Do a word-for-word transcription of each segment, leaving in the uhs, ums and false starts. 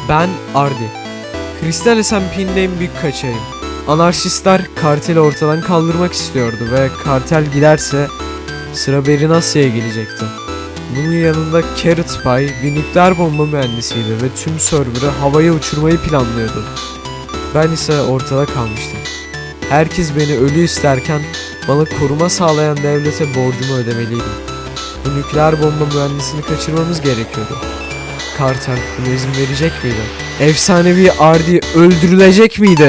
Ben Ardi. Kristal S and P'nin en büyük kaçağıyım. Anarşistler karteli ortadan kaldırmak istiyordu ve kartel giderse sıra Berinasya'ya gelecekti. Bunun yanında Carrot Pie bir nükleer bomba mühendisiydi ve tüm server'ı havaya uçurmayı planlıyordu. Ben ise ortada kalmıştım. Herkes beni ölü isterken bana koruma sağlayan devlete borcumu ödemeliydim. Bu nükleer bomba mühendisini kaçırmamız gerekiyordu. Kartel buna izin verecek miydi? Efsanevi Ardi öldürülecek miydi?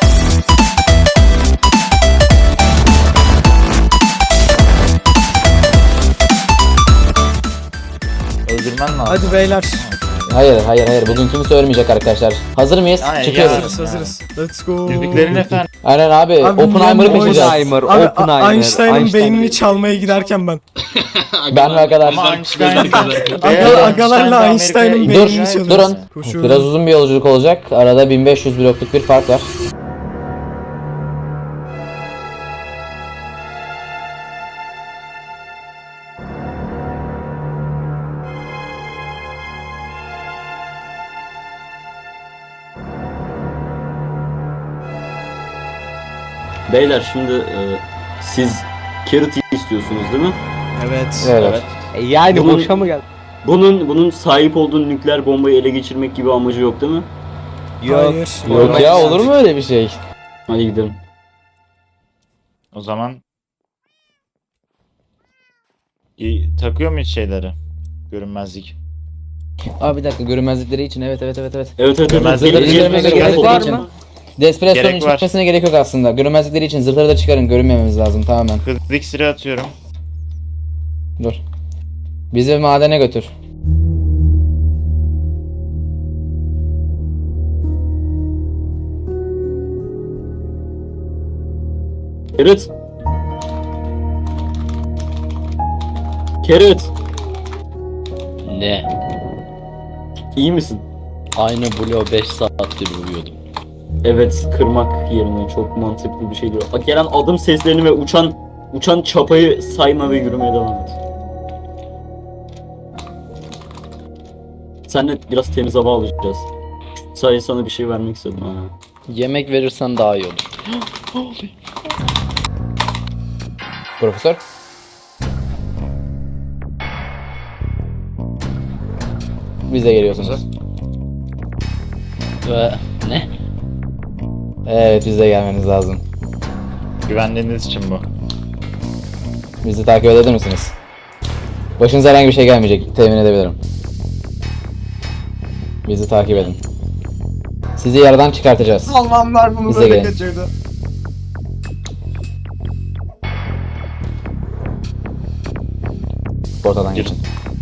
Öldürmen lazım. Hadi beyler. Hayır hayır hayır bugün kimse ölmeyecek arkadaşlar. Hazır mıyız? Aynen, Çıkıyoruz. Hazırız hazırız. Let's go. Yüzüklerin efendim. Aynen abi, Abi, Oppenheimer'ı yani o- kaçıracağız. Oppenheimer, Abi Oppenheimer, Einstein'ın Einstein. beynini çalmaya giderken ben. Ben ve arkadaş. Ama Einstein. Aga, agalarla Einstein'ın Dur, beynini çalıyoruz. durun. Koşuyorum. Biraz uzun bir yolculuk olacak. Arada bin beş yüz blokluk bir fark var. Beyler şimdi e, siz Carrot'ı istiyorsunuz değil mi? Evet. Evet. E Yani Bunun- boşa mı geldi? Bunun bunun sahip olduğu nükleer bombayı ele geçirmek gibi amacı yok değil mi? Hayır. Yok ya, olur mu öyle bir şey? Hadi gidelim. O zaman İyi, takıyor muyuz şeyleri? Görünmezlik. Abi bir dakika, görünmezlikleri için evet evet evet evet. Evet evet evet. Görmezlik Gelin, gelin, görmezlik gelin, gerek gelin. var mı? Despresso'nun Gerek var. çıkmasına gerek yok aslında. Görünmezlikleri için zırhları da çıkarın, görünmememiz lazım tamamen. Hızlı iksiri atıyorum. Dur. Bizi madene götür. Carrot. Carrot. Ne? İyi misin? Aynı bloğu beş saattir uyuyordum. Evet, kırmak yerine çok mantıklı bir şey diyor. Bak, gelen adım seslerini ve uçan uçan çapayı sayma ve yürümeye devam et. Seninle biraz temiz hava alacağız. Sadece sana bir şey vermek istedim ha. Yemek verirsen daha iyi olur. Profesör. Bize geliyorsunuz. Ve ne? Evet, bize gelmeniz lazım. Güvenliğiniz için bu. Bizi takip edebilir misiniz? Başınıza herhangi bir şey gelmeyecek, temin edebilirim. Bizi takip edin. Sizi yaradan çıkartacağız. Almanlar bunu Bize böyle gelin. kaçırdı. Portadan geçin.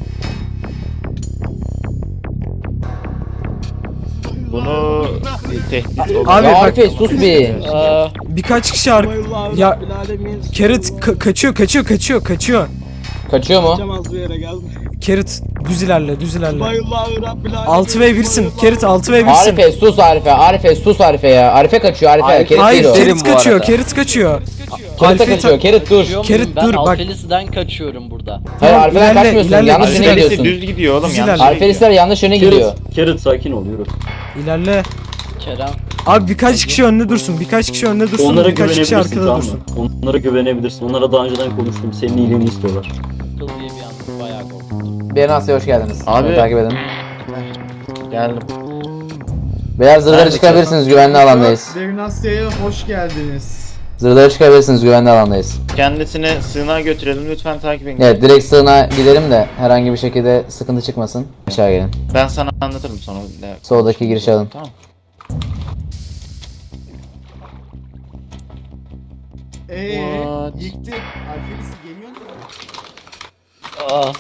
Bunu tehdit olur. Abi Ya bak, Arife sus bir. Aa, birkaç kişi ar- ya Carrot ka- kaçıyor kaçıyor kaçıyor kaçıyor. Kaçıyor mu? Carrot düz ilerle düz ilerle. altı ve birsin. Carrot altı ve birsin. Arife sus Arife. Arife sus Arife ya. Arife kaçıyor Arife. Arife- Kerit Hayır değil o. Derim Carrot bu kaçıyor arada. Carrot kaçıyor. Kerit de Arife kaçıyor. Kerit dur. kaçıyor Kerit, muyum? Ben dur, bak. Alfelis'den kaçıyorum burada. Hayır Tamam, Arife'den ilerle, kaçmıyorsun. ilerle, Yanlış ilerle. yöne Alfelis'i gidiyorsun. düz gidiyor oğlum, Düz yanlış ilerle. yere gidiyor. Alfelisler yanlış yöne gidiyor. Carrot, Carrot sakin ol, yürü. İlerle. Kerem. Abi birkaç kişi önde dursun. Birkaç kişi önde dursun. Onlara birkaç kişi güvenebilirsin, arkada tamam dursun. mı? Onlara güvenebilirsin. Onlara daha önceden konuştum. Senin iyiliğini istiyorlar. Kıl diye bir anda bayağı korktum. Beyler hoş geldiniz. Abi. Beni takip edin. Geldim. Beyler zırhları Nerede çıkarabilirsiniz, güvenli alandayız. Devnasya'ya hoş geldiniz. Zırhları çıkarabilirsiniz, güvenli alandayız. Kendisini sığınağa götürelim, lütfen takip edin. Evet, direkt sığınağa gidelim de herhangi bir şekilde sıkıntı çıkmasın. Aşağı gelin. Ben sana anlatırım sonra. Soldaki girişi alın. Tamam. Eee What? gitti. Alfelisi geliyor mu? Aa.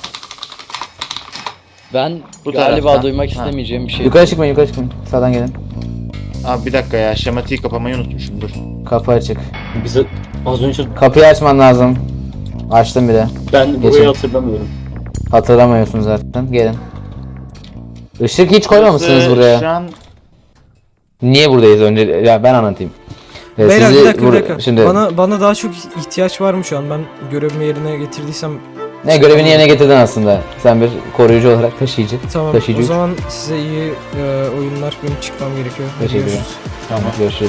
Ben Bu galiba taraftan. duymak Ha. istemeyeceğim bir şey. Yukarı çıkmayın, yukarı çıkmayın. Sağdan gelin. Abi bir dakika ya, şematiği kapamayı unutmuşum, dur. Kapı açık. Bize az önce Kapıyı açman lazım. Açtım bile. ben burayı Geçin. hatırlamıyorum. Hatırlamıyorsun zaten. Gelin. Işık hiç koymamışsınız Burası buraya. Şu an Niye buradayız önce? Ya ben anlatayım. Ee, Beyler sizi bir dakika bir bur- dakika. Şimdi Bana bana daha çok ihtiyaç var mı şu an? Ben görevimi yerine getirdiysem Ne görevini yerine getirdin aslında. Sen bir koruyucu olarak taşıyıcı. Tamam Taşıyıcı o üç. zaman size iyi e, oyunlar. Benim çıkmam gerekiyor. Hadi Teşekkür ederim. görüşürüz. Tamam görüşürüz.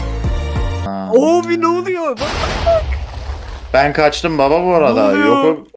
Ha. Abi ne oluyor? Bak. Ben kaçtım baba bu arada. Ne oluyor? Yokum.